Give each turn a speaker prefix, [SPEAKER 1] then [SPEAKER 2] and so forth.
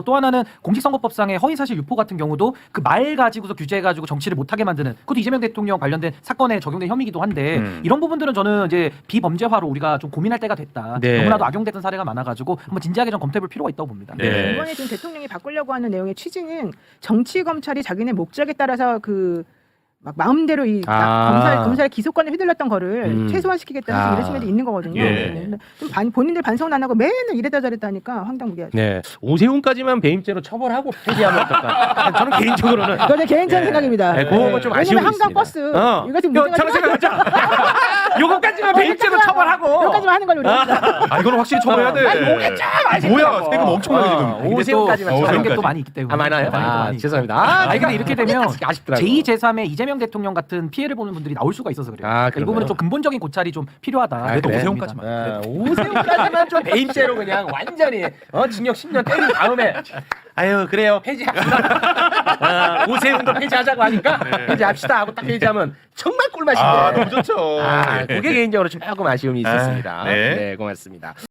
[SPEAKER 1] 또 하나는 공직선거법상의 허위사실 유포 같은 경우도 그 말 가지고서 규제해가지고 정치를 못하게 만드는 그것도 이재명 대통령 관련된 사건에 적용된 혐의이기도 한데 이런 부분들은 저는 이제 비범죄화로 우리가 좀 고민할 때가 됐다.
[SPEAKER 2] 네.
[SPEAKER 1] 너무나도 악용됐던 사례가 많아가지고 한번 진지하게 좀 검토해볼 필요가 있다고 봅니다.
[SPEAKER 2] 네.
[SPEAKER 3] 이번에 지금 대통령이 바꾸려고 하는 내용의 취지는 정치 검찰이 자기네 목적에 따라서 그 막 마음대로 이 검찰 기소권을 휘둘렀던 거를 최소화시키겠다는 이런 측면도 있는 거거든요.
[SPEAKER 2] 예.
[SPEAKER 3] 좀 본인들 반성은 안 하고 맨날 이랬다 저랬다 하니까 황당무계하죠.
[SPEAKER 2] 네. 오세훈까지만 배임죄로 처벌하고 폐지하면 어떨까? 저는 개인적으로는
[SPEAKER 3] 그건 제 개인적인 생각입니다.
[SPEAKER 2] 네, 그거 좀 아쉬운
[SPEAKER 3] 왜냐면
[SPEAKER 2] 게
[SPEAKER 3] 한강 버스 이거 지금 문제가
[SPEAKER 2] 저는 생각하자. 요거까지만 배임죄로 처벌하고.
[SPEAKER 3] 여기까지만 하는 걸로 우리가.
[SPEAKER 4] 아 이거는 확실히 처벌해야 돼.
[SPEAKER 2] 아니, 뭐가 좀 아쉽더라고.
[SPEAKER 4] 뭐야 세금 엄청나게 지금.
[SPEAKER 1] 근데 또
[SPEAKER 2] 오세훈까지만
[SPEAKER 1] 다른
[SPEAKER 2] 처벌.
[SPEAKER 1] 게 또 많이 있기 때문에.
[SPEAKER 2] 아 많아요?
[SPEAKER 1] 많이 있기
[SPEAKER 2] 죄송합니다.
[SPEAKER 1] 아니 근데 이렇게 되면
[SPEAKER 2] 아쉽더라고.
[SPEAKER 1] 제2, 제3의 이재명 대통령 같은 피해를 보는 분들이 나올 수가 있어서 그래요.
[SPEAKER 2] 아,
[SPEAKER 1] 이 부분은
[SPEAKER 2] 그런가요?
[SPEAKER 1] 좀 근본적인 고찰이 좀 필요하다.
[SPEAKER 4] 그래도
[SPEAKER 1] 그래.
[SPEAKER 4] 오세훈까지만.
[SPEAKER 2] 오세훈까지만 좀 배임죄로 그냥 완전히 징역 10년 때린 다음에 아유 그래요 폐지합시다. 오세훈도 폐지하자고 하니까 폐지합시다 하고 딱 폐지하면 정말 꿀맛인데.
[SPEAKER 4] 아 너무 좋죠.
[SPEAKER 2] 그게 개인적으로 조금 아쉬움이 있었습니다.
[SPEAKER 4] 네.
[SPEAKER 2] 네 고맙습니다.